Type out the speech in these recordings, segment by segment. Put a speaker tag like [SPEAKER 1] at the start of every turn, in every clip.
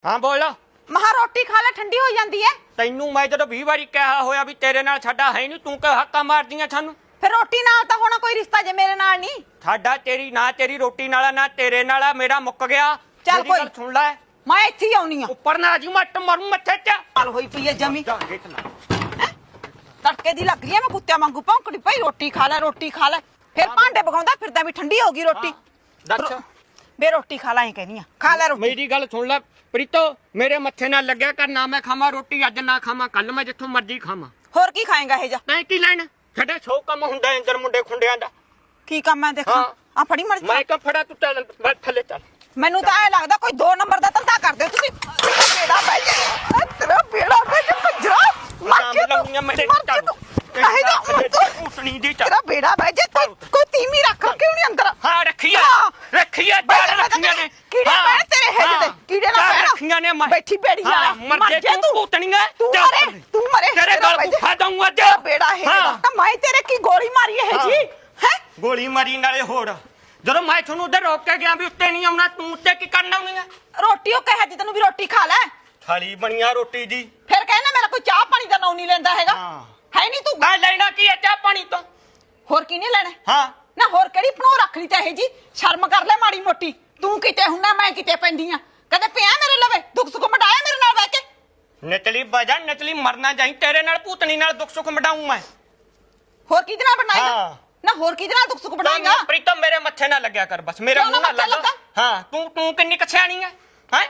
[SPEAKER 1] हाँ बोल
[SPEAKER 2] महा रोटी खा ले ठंडी हो जाती है।
[SPEAKER 1] तेनू मैं जो 20 बारी कहा होया भी तेरे नाल साडा है नहीं, तू क्यों हक्का मार दियां सानू?
[SPEAKER 2] फिर रोटी नाल तो होना कोई रिश्ता जे मेरे नाल नहीं।
[SPEAKER 1] साडा तेरी ना तेरी रोटी नाला ना तेरे नाला मेरा मुक गया।
[SPEAKER 2] चल
[SPEAKER 1] मेरी
[SPEAKER 2] कोई
[SPEAKER 1] गल सुन ले,
[SPEAKER 2] मैं इत्थे ही आउनी आ।
[SPEAKER 1] ऊपर ना जी मट मारू मत्थे च
[SPEAKER 2] हाल होई पई है जमी तड़के दी लग रही है। मैं कुत्ते वांगू भौंकड़ी पई रोटी खा ले रोटी खा ले। फिर भांडे पकाउंदा फिरदा भी ठंडी होगी रोटी।
[SPEAKER 1] दस
[SPEAKER 2] बे रोटी खा ला ही कहनी आ, खा ले रोटी।
[SPEAKER 1] मेरी गल सुन ले प्रीतो, मेरे मत्थे ना लग्या कर ना। मैं खावा रोटी अज ना खावा कल, मैं जिथों मर्जी खावा।
[SPEAKER 2] होर की खाएगा हे जा?
[SPEAKER 1] मैं की लेना, छड़े 100 काम हुंदा अंदर मुंडे खुंडियां दा।
[SPEAKER 2] की काम है देखा? आ फड़ी मर
[SPEAKER 1] मैं क्यों फड़ा, तू चल थले चल।
[SPEAKER 2] ਮੈਨੂੰ ਤਾਂ ਐ ਲੱਗਦਾ ਕੋਈ 2 ਨੰਬਰ ਦਾ ਧੰਦਾ ਕਰਦੇ ਤੁਸੀਂ। ਬੇੜਾ ਬਹਿ ਜਾ ਤੇਰਾ ਬੇੜਾ ਬਹਿ ਜਾ ਕੰਜਰਾ ਮਰ ਕੇ
[SPEAKER 1] ਲਾਉਣੀਆਂ ਮੇਰੇ ਚੱਲ
[SPEAKER 2] ਕਹੇ ਜਾ
[SPEAKER 1] ਉਸਣੀ ਦੀ ਚੱਲ।
[SPEAKER 2] ਤੇਰਾ ਬੇੜਾ ਬਹਿ ਜਾ ਕੋਈ ਤੀਮੀ ਰੱਖ ਕਿਉਂ ਨਹੀਂ ਅੰਦਰ?
[SPEAKER 1] ਹਾਂ ਰੱਖੀਆ ਰੱਖੀਆ ਚਾਰ ਰੱਖੀਆਂ ਨੇ।
[SPEAKER 2] ਕੀੜੇ ਪੈਣ ਤੇਰੇ ਹੈਜ ਦੇ ਕੀੜੇ ਨਾ ਪੈਣ
[SPEAKER 1] ਰੱਖੀਆਂ ਨੇ।
[SPEAKER 2] ਬੈਠੀ ਬੇੜੀ ਆ
[SPEAKER 1] ਮਰ ਜੇ ਤੂੰ ਭੂਤਣੀਆਂ
[SPEAKER 2] ਤੂੰ ਮਰੇ
[SPEAKER 1] ਤੇਰੇ ਗਲ ਗੁੱਫਾ ਦਊਂ ਅੱਜ।
[SPEAKER 2] ਬੇੜਾ ਹੈ ਤਾਂ ਮੈਂ ਤੇਰੇ ਕੀ ਗੋਲੀ ਮਾਰੀ ਹੈ ਜੀ ਹੈ?
[SPEAKER 1] ਗੋਲੀ ਮਾਰੀ ਨਾਲੇ ਹੋਰ ਜਦੋਂ ਮੈਂ ਤੁਹਾਨੂੰ ਉਧਰ ਰੋਕ ਕੇ ਗਿਆ ਵੀ ਉੱਤੇ ਨਹੀਂ ਆਉਣਾ, ਤੂੰ ਉੱਤੇ ਕੀ ਕਰਨ ਆਉਣੀ ਆ?
[SPEAKER 2] ਰੋਟੀ ਉਹ ਕਹੇ ਜੀ ਤੈਨੂੰ ਵੀ ਰੋਟੀ ਖਾ ਲੈ।
[SPEAKER 1] ਥਾਲੀ ਬਣੀਆਂ ਰੋਟੀ ਦੀ।
[SPEAKER 2] ਫਿਰ ਕਹਿੰਦਾ ਮੇਰਾ ਕੋਈ ਚਾਹ ਪਾਣੀ ਦਾ ਨਾਂ ਨਹੀਂ ਲੈਂਦਾ ਹੈਗਾ। ਹੈ ਨਹੀਂ ਤੂੰ
[SPEAKER 1] ਮੈਂ ਲੈਣਾ ਕੀ ਹੈ ਚਾਹ ਪਾਣੀ ਤੋਂ?
[SPEAKER 2] ਹੋਰ ਕੀ ਨਹੀਂ ਲੈਣਾ?
[SPEAKER 1] ਹਾਂ
[SPEAKER 2] ਨਾ ਹੋਰ ਕਿਹੜੀ ਭਣੋ ਰੱਖ ਲਈ ਤਾਂ ਇਹ ਜੀ? ਸ਼ਰਮ ਕਰ ਲੈ ਮਾੜੀ ਮੋਟੀ। ਤੂੰ ਕਿਤੇ ਹੁੰਨਾ ਮੈਂ ਕਿਤੇ ਪੈਂਦੀ ਆ। ਕਦੇ ਪਿਆ ਮੇਰੇ ਲਵੇ ਦੁੱਖ ਸੁੱਖ ਮਟਾਇਆ ਮੇਰੇ ਨਾਲ ਬਹਿ ਕੇ?
[SPEAKER 1] ਨਚਲੀ ਬਾਜਾ ਨਚਲੀ ਮਰਨਾ ਜਾਈ ਤੇਰੇ ਨਾਲ ਭੂਤਣੀ ਨਾਲ ਦੁੱਖ ਸੁੱਖ ਮਟਾਉਂ ਮੈਂ।
[SPEAKER 2] ਹੋਰ ਕਿਹਦੇ ਨਾਲ ਬਣਾਏਗਾ? ਨਾ ਹੋਰ ਕਿਹਦੇ ਨਾਲ ਦੁੱਖ ਸੁੱਖ ਬਣਾਏਗਾ?
[SPEAKER 1] ਪ੍ਰੀਤਮ ਮੇਰੇ ਮੱਥੇ ਨਾ ਲੱਗਿਆ ਕਰ ਬਸ, ਮੇਰਾ ਮੂੰਹ ਨਾ ਲੱਗ। ਹਾਂ ਤੂੰ ਕਿੰਨੀ ਕਛਿਆਣੀ ਹੈ ਹੈ?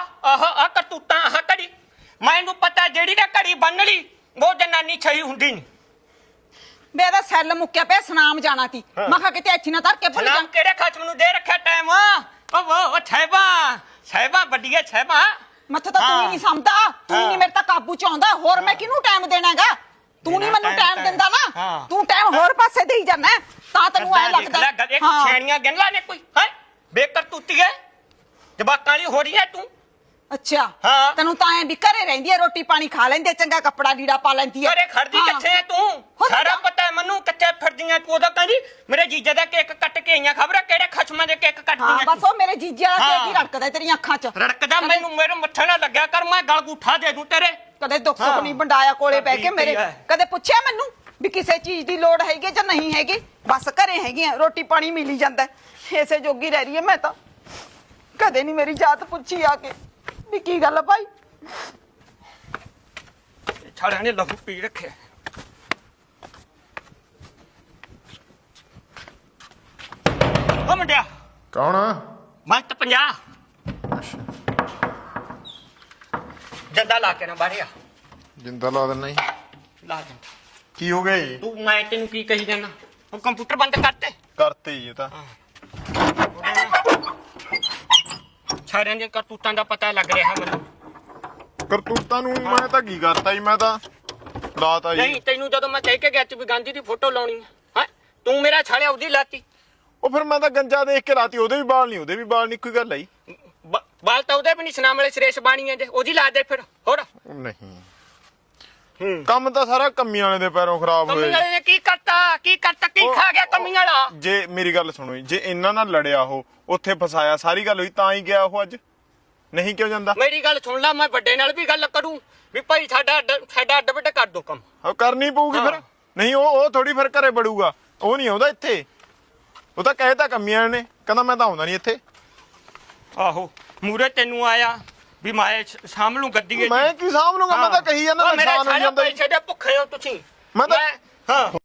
[SPEAKER 1] ਆਹ ਕਰਤੂਤਾਂ ਆਹ ਘੜੀ ਮੈਨੂੰ ਪਤਾ ਜਿਹੜੀ ਨਾ ਘੜੀ ਬੰਨ ਲਈ ਉਹ ਜਨਾਨੀ ਛਈ ਹੁੰਦੀ ਨਹੀਂ।
[SPEAKER 2] ਮੇਰਾ ਸੈੱਲ ਮੁੱਕਿਆ ਪਿਆ ਸਨਾਮ ਜਾਣਾ ਤੀ। ਮੈਂ ਕਿਹਾ ਕਿਤੇ ਇੱਥੇ ਨਾ ਧਰ ਕੇ ਭੁੱਲ ਜਾ।
[SPEAKER 1] ਨਾਮ ਕਿਹੜੇ ਖਸਮ ਨੂੰ ਦੇ ਰੱਖਿਆ ਟਾਈਮ? ਉਹ ਛੈਬਾ ਵੱਡੀਏ ਛੈਬਾ।
[SPEAKER 2] ਮੱਥੇ ਤਾਂ ਤੂੰ ਹੀ ਨਹੀਂ ਸਮਝਦਾ। ਤੂੰ ਨਹੀਂ ਮੇਰੇ ਤਾਂ ਕਾਬੂ ਚ ਆਉਂਦਾ। ਹੋਰ ਮੈਂ ਕਿਹਨੂੰ ਟਾਈਮ ਦੇਣਾਗਾ? ਤੂੰ ਨਹੀਂ ਮੈਨੂੰ ਟਾਈਮ ਦਿੰਦਾ ਨਾ। ਤੂੰ ਟਾਈਮ ਹੋਰ ਪਾਸੇ ਦੇਈ ਜਾਂਦਾ ਤਾਂ ਤੈਨੂੰ ਐ ਲੱਗਦਾ।
[SPEAKER 1] ਇੱਕ ਛੇੜੀਆਂ ਗਿਣ ਲਾ ਨੇ ਕੋਈ ਹੈ ਬੇਕਰ ਤੂਤੀ ਹੈ ਜਵਾਕਾਂ ਵਾਲੀ ਹੋ ਰਹੀ ਹੈ ਤੂੰ।
[SPEAKER 2] ਅੱਛਾ ਤੈਨੂੰ ਤਾਂ ਐ ਵੀ ਘਰੇ ਰਹਿੰਦੀ ਐ ਰੋਟੀ ਪਾਣੀ ਖਾ ਲੈਂਦੀ ਐ ਚੰਗਾ ਕੱਪੜਾ ਲੀੜਾ ਪਾ ਲੈਂਦੀ ਐ।
[SPEAKER 1] ਘਰੇ ਖੜਦੀ ਕਿੱਥੇ ਐ ਤੂੰ? ਸਾਰਾ ਪਤਾ ਹੈ ਮੈਨੂੰ ਕਿੱਥੇ ਫਿਰਦੀਆਂ ਤੂੰ। ਉਹਦਾ ਕਹਿੰਦੀ ਮੇਰੇ ਜੀਜੇ ਦਾ ਕੇਕ ਕੱਟ ਕੇ ਆਈਆਂ, ਖਬਰ ਕਿਹੜੇ ਖਸਮਾਂ ਦੇ ਕੇਕ ਕੱਟਦੀਆਂ।
[SPEAKER 2] ਬਸ ਉਹ ਮੇਰੇ ਜੀਜੇ ਵਾਲਾ ਕੇਕ ਹੀ ਰੜਕਦਾ ਤੇਰੀਆਂ ਅੱਖਾਂ 'ਚ।
[SPEAKER 1] ਰੜਕਦਾ ਮੈਨੂੰ ਮੇਰੇ ਮੱਥੇ ਨਾਲ ਲੱਗਿਆ ਕਰ, ਮੈਂ ਗਲ ਗੁੱਠਾ ਦੇ ਦੂੰ ਤੇਰੇ।
[SPEAKER 2] ਕਦੇ ਦੁੱਖ ਸੁੱਖ ਨਹੀਂ ਵੰਡਾਇਆ ਕੋਲੇ ਬਹਿ ਕੇ ਮੇਰੇ। ਕਦੇ ਪੁੱਛਿਆ ਮੈਨੂੰ ਵੀ ਕਿਸੇ ਚੀਜ਼ ਦੀ ਲੋੜ ਹੈਗੀ ਜਾਂ ਨਹੀਂ ਹੈਗੀ? ਬਸ ਘਰੇ ਹੈਗੀਆਂ ਰੋਟੀ ਪਾਣੀ ਮਿਲ ਹੀ ਜਾਂਦਾ। ਇਸੇ ਜੋਗੀ ਰਹਿ ਰਹੀ ਐ ਮੈਂ ਤਾਂ। ਕਦੇ ਨਹੀਂ ਮੇਰੀ ਜਾਤ ਪੁੱਛੀ ਆ ਕੇ ਵੀ ਕੀ ਗੱਲ ਭਾਈ?
[SPEAKER 1] ਛਾੜਿਆਂ ਨੇ ਲਹੂ ਪੀ ਰੱਖਿਆ। ਓ ਮੁੰਡਿਆ
[SPEAKER 3] ਕੌਣ?
[SPEAKER 1] ਮੈਂ ਤਾਂ 50 ਜੰਦਾ ਲਾ ਕੇ ਨਾ ਬਾਹਰ ਆ।
[SPEAKER 3] ਜਿੰਦਾ ਲਾ ਦੇਣਾ ਹੀ।
[SPEAKER 1] ਲਾ ਦੇ
[SPEAKER 3] ਕੀ ਹੋ ਗਿਆ ਜੀ?
[SPEAKER 1] ਤੂੰ ਮੈਂ ਤੈਨੂੰ ਕੀ ਕਹੀ ਜਾਣਾ? ਉਹ ਕੰਪਿਊਟਰ ਬੰਦ ਕਰਤੇ
[SPEAKER 3] ਕਰਤੇ ਜੀ ਇਹ ਤਾਂ।
[SPEAKER 1] ਛਾੜਿਆਂ ਦੀਆਂ ਕਰਤੂਤਾਂ ਦਾ ਪਤਾ ਲੱਗ ਰਿਹਾ ਮੈਨੂੰ।
[SPEAKER 3] ਕਰਤੂਤਾਂ ਨੂੰ ਮੈਂ ਤਾਂ ਕੀ ਕਰਤਾ ਜੀ? ਮੈਂ ਤਾਂ ਲਾਤਾ ਜੀ।
[SPEAKER 1] ਨਹੀਂ ਤੈਨੂੰ ਜਦੋਂ ਮੈਂ ਕਹਿ ਕੇ ਗਿਆ ਵੀ ਗਾਂਧੀ ਦੀ ਫੋਟੋ ਲਾਉਣੀ ਹੈ ਤੂੰ ਮੇਰਾ ਛਾੜਿਆ ਉਹਦੀ ਲਾਤੀ।
[SPEAKER 3] ਉਹ ਫਿਰ ਮੈਂ ਤਾਂ ਗੰਜਾ ਦੇਖ ਕੇ ਲਾਤੀ। ਉਹਦੇ ਵੀ ਬਾਲ ਨਹੀਂ, ਉਹਦੇ ਵੀ ਬਾਲ ਨਹੀਂ, ਕੋਈ ਗੱਲ ਆਈ।
[SPEAKER 1] ਬਾਲ ਤਾਂ ਉਹਦੇ ਵੀ ਨਹੀਂ ਸੁਨਾਮ ਵਾਲੇ ਸਰੇਸ਼ ਬਾਣੀ ਹੈ ਜੇ ਉਹਦੀ ਲਾ ਦੇ ਫਿਰ ਹੋਰ।
[SPEAKER 3] ਨਹੀਂ ਕੰਮ ਤਾਂ ਸਾਰਾ ਕੰਮੀ ਵਾਲੇ ਦੇ ਪੈਰੋਂ ਖਰਾਬ ਹੋਏ।
[SPEAKER 1] ਕੰਮੀ ਵਾਲੇ ਨੇ ਕੀ ਕਰਤਾ ਕੀ ਖਾ ਗਿਆ ਕੰਮੀ ਵਾਲਾ?
[SPEAKER 3] ਜੇ ਮੇਰੀ ਗੱਲ ਸੁਣੋ ਜੀ, ਜੇ ਇਹਨਾਂ ਨਾਲ ਲੜਿਆ ਉਹ ਉੱਥੇ ਫਸਾਇਆ ਸਾਰੀ ਗੱਲ ਹੋਈ ਤਾਂ ਹੀ ਗਿਆ ਉਹ ਅੱਜ। ਨਹੀਂ ਕਿਉਂ ਜਾਂਦਾ?
[SPEAKER 1] ਮੇਰੀ ਗੱਲ ਸੁਣ ਲੈ, ਮੈਂ ਵੱਡੇ ਨਾਲ ਵੀ ਗੱਲ ਕਰੂੰ ਵੀ ਭਾਈ ਸਾਡਾ ਅੱਡ ਵੱਡ ਕਰ ਦੋ ਕੰਮ।
[SPEAKER 3] ਉਹ ਕਰਨੀ ਪਊਗੀ ਫਿਰ। ਨਹੀਂ ਉਹ ਥੋੜੀ ਫਿਰ ਘਰੇ ਬੜੂਗਾ। ਉਹ ਨਹੀਂ ਆਉਂਦਾ ਇੱਥੇ। ਉਹ ਤਾਂ ਕਹਿਤਾ ਕੰਮੀਆਂ ਨੇ, ਕਹਿੰਦਾ ਮੈਂ ਤਾਂ ਆਉਂਦਾ ਨਹੀਂ ਇੱਥੇ।
[SPEAKER 1] ਆਹੋ ਮੂਰੇ ਤੈਨੂੰ ਆਇਆ ਵੀ ਮੈਂ ਸਾਂਭ ਲੂੰ ਗੱਡੀ।
[SPEAKER 3] ਮੈਂ ਕੀ ਸਾਂਭ ਲੂੰਗਾ? ਮੈਂ ਤਾਂ ਕਹੀ ਜਾਂਦਾ ਨੁਕਸਾਨ ਹੋ ਜਾਂਦਾ।
[SPEAKER 1] ਪੈਸੇ ਦੇ ਭੁੱਖੇ ਹੋ ਤੁਸੀਂ।
[SPEAKER 3] ਮੈਂ ਤਾਂ